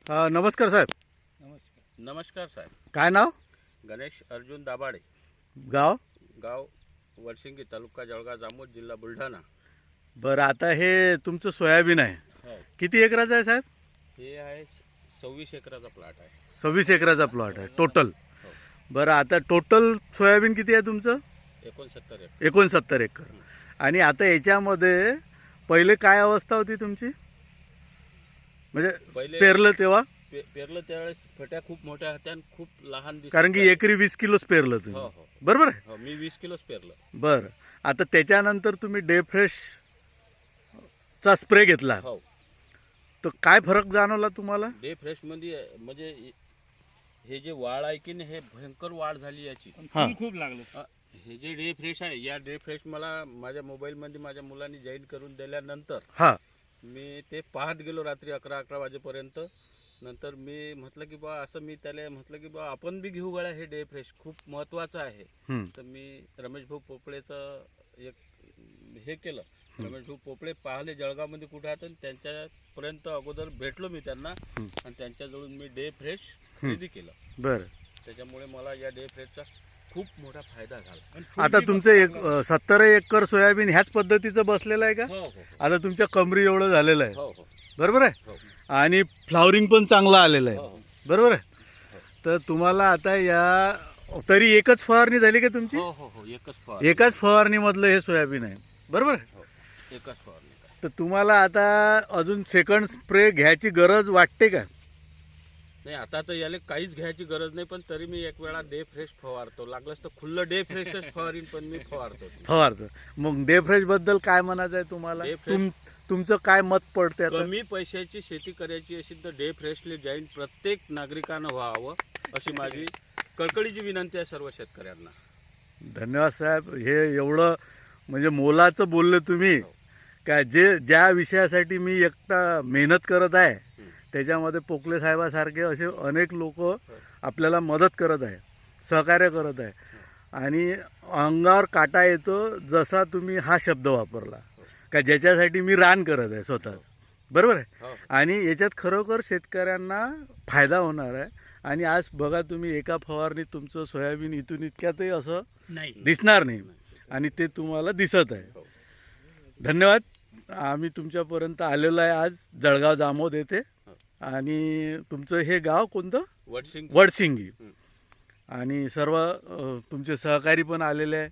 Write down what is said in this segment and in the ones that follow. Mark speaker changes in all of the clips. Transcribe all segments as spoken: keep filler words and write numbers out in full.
Speaker 1: अ, नमस्कार साहेब.
Speaker 2: नमस्कार नमस्कार साहेब.
Speaker 1: काय नाव?
Speaker 2: गणेश अर्जुन दाभाडे.
Speaker 1: गाव?
Speaker 2: गाव वडसिंगी, तालुका जळगाव जामोद, जिल्हा बुलढाणा.
Speaker 1: बरं, आता हे तुमचं सोयाबीन आहे,
Speaker 2: हो,
Speaker 1: किती एकराचं आहे साहेब?
Speaker 2: हे आहे सव्वीस एकराचा प्लॉट आहे.
Speaker 1: सव्वीस एकराचा प्लॉट आहे टोटल.
Speaker 2: हो,
Speaker 1: बरं, आता टोटल सोयाबीन किती आहे तुमचं?
Speaker 2: एकोणसत्तर एकर.
Speaker 1: एकोणसत्तर एकर. आणि आता याच्यामध्ये पहिले काय अवस्था होती तुमची, म्हणजे
Speaker 2: पहिले
Speaker 1: पेरलं तेव्हा?
Speaker 2: पे, पेरलं त्यावेळेस फट्या खूप मोठ्या होत्या आणि खूप लहान दिसत
Speaker 1: कारण की
Speaker 2: होत्या.
Speaker 1: एकरी वीस किलोच पेरलं
Speaker 2: हो
Speaker 1: तुम्ही,
Speaker 2: हो
Speaker 1: बरोबर आहे?
Speaker 2: हो, मी वीस किलोच पेरलं.
Speaker 1: बरं, आता त्याच्यानंतर तुम्ही डे फ्रेश चा स्प्रे घेतला,
Speaker 2: हो,
Speaker 1: तर काय फरक जाणवला तुम्हाला?
Speaker 2: डे फ्रेश मध्ये म्हणजे हे जे वाढ आहे की नाही, हे भयंकर वाढ झाली याची.
Speaker 1: हा.
Speaker 3: खूप लागलं.
Speaker 2: अ, हे जे डे फ्रेश आहे, या डे फ्रेश मला माझ्या मोबाईलमध्ये माझ्या मुलांनी जॉईन करून दिल्यानंतर
Speaker 1: हा.
Speaker 2: मी ते पाहत गेलो रात्री अकरा अकरा वाजेपर्यंत. नंतर मी म्हटलं की बा असं मी त्याला म्हटलं की बा आपण बी घेऊ गळ्या, हे डे फ्रेश खूप महत्त्वाचं आहे.
Speaker 1: हम्म.
Speaker 2: तर मी रमेश भाऊ पोपळेचं एक हे केलं. रमेश भाऊ पोपळे पाहिले जळगावमध्ये कुठे आहेत, आणि त्यांच्यापर्यंत अगोदर भेटलो मी त्यांना,
Speaker 1: हम्म.
Speaker 2: आणि त्यांच्याजवळून मी डे फ्रेश खरेदी केलं.
Speaker 1: बरं,
Speaker 2: त्याच्यामुळे मला या डे फ्रेशचा खूप मोठा फायदा झाला.
Speaker 3: आणि फुल
Speaker 1: आता
Speaker 3: बी
Speaker 1: तुमचं
Speaker 3: मस्त
Speaker 1: एक
Speaker 3: लागलं.
Speaker 1: सत्तर एकर सोयाबीन ह्याच पद्धतीचं बसलेलं आहे का?
Speaker 2: हो हो
Speaker 1: आता तुमच्या कमरी एवढं झालेलं आहे,
Speaker 2: हो हो
Speaker 1: बरोबर आहे?
Speaker 2: हो
Speaker 1: आणि फ्लावरिंग पण चांगलं आलेलं
Speaker 2: हो
Speaker 1: आहे,
Speaker 2: हो
Speaker 1: बरोबर आहे?
Speaker 2: हो.
Speaker 1: तर तुम्हाला आता या तरी एकच फवारणी झाली का तुमची?
Speaker 2: हो हो हो एकच फवारणी.
Speaker 1: एकाच फवारणीमधलं हे सोयाबीन आहे, बरोबर आहे?
Speaker 2: हो, एकच फवारणी काय.
Speaker 1: तर तुम्हाला आता अजून सेकंड स्प्रे घ्यायची गरज वाटते का?
Speaker 2: नाही, आता तर याला काहीच घ्यायची गरज नाही, पण तरी मी एक वेळा डे फ्रेश फवारतो. लागलंच तर खुल्लं डे फ्रेशच फवारीन, पण मी फवारतो.
Speaker 1: फवारतो. मग डे फ्रेश बद्दल काय म्हणायचं आहे तुम्हाला?
Speaker 2: डे फ्रेश-
Speaker 1: तुम तुमचं काय मत पडते आता?
Speaker 2: कमी पैशाची शेती करायची असेल तर डे फ्रेशले जॉईन प्रत्येक नागरिकानं व्हावं, अशी माझी कळकळीची विनंती आहे सर्व शेतकऱ्यांना.
Speaker 1: धन्यवाद साहेब, हे एवढं म्हणजे मोलाचं बोलले तुम्ही,
Speaker 2: हो.
Speaker 1: का जे ज्या विषयासाठी मी एकटा मेहनत करत आहे,
Speaker 2: हं.
Speaker 1: त्याच्यामध्ये पोकले साहेबासारखे असे अनेक लोक आपल्याला मदत करत आहे, सहकार्य करत आहे. आणि अंगावर काटा येतो जसा तुम्ही हा शब्द वापरला, का ज्याच्यासाठी मी रान करत आहे स्वतःच, बरोबर आहे?
Speaker 2: हो
Speaker 1: आणि याच्यात खरोखर शेतकऱ्यांना फायदा होणार आहे. आणि आज बघा तुम्ही, एका फवारणीत तुमचं सोयाबीन इथून इतक्यातही असं
Speaker 3: नाही.
Speaker 1: दिसणार नाही, आणि ते तुम्हाला दिसत आहे.
Speaker 2: हो.
Speaker 1: धन्यवाद. आम्ही तुमच्यापर्यंत आलेलो आहे आज जळगाव जामोद येथे.
Speaker 2: हो.
Speaker 1: आणि तुमचं हे गाव कोणतं?
Speaker 2: वडसिंग.
Speaker 1: वडसिंगी.
Speaker 2: हं.
Speaker 1: आणि सर्व अ, तुमचे सहकारी पण आलेले आहे.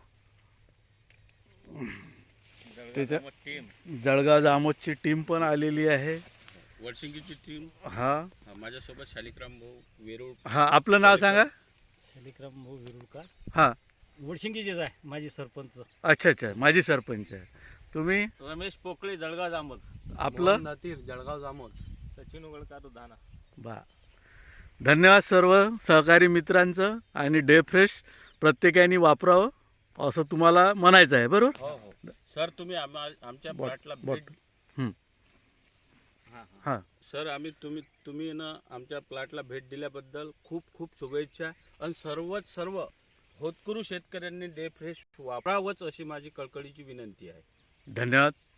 Speaker 1: त्याच्या
Speaker 3: टीम.
Speaker 1: जळगाव जामोदची टीम पण आलेली आहे.
Speaker 2: वडसिंगीची टीम.
Speaker 1: हा
Speaker 2: माझ्यासोबत शालिक्राम भाऊ वेरूळ.
Speaker 1: हा आपलं नाव सांगा.
Speaker 3: शालिक्राम भाऊ विरुळकर,
Speaker 1: हा,
Speaker 3: वडशिंगीचेच आहे माझी सरपंच.
Speaker 1: अच्छा अच्छा, माजी सरपंच आहे तुम्ही.
Speaker 2: रमेश पोकळे, जळगाव जामोद.
Speaker 1: आपलं
Speaker 2: नातीर, जळगाव जामोद.
Speaker 3: सचिन उगळकर धाना.
Speaker 1: बा धन्यवाद सर्व सहकारी मित्रांचं. आणि डे फ्रेश प्रत्येकाने वापरावं असं तुम्हाला म्हणायचं आहे, बरोबर?
Speaker 2: हो हो सर, तुम्ही आम्हा आमच्या
Speaker 1: बॉट-
Speaker 2: प्लॉटला
Speaker 1: बॉट.
Speaker 2: भेट.
Speaker 1: हं.
Speaker 2: हां हां
Speaker 1: हां,
Speaker 2: सर, आम्ही तुम्ही तुम्ही ना आमच्या प्लॉटला भेट दिल्याबद्दल खूप खूप शुभेच्छा. आणि सर्वच सर्व होतकरू शेतकऱ्यांनी डे फ्रेश वापरावंच अशी माझी कळकळीची विनंती आहे.
Speaker 1: धन्यवाद.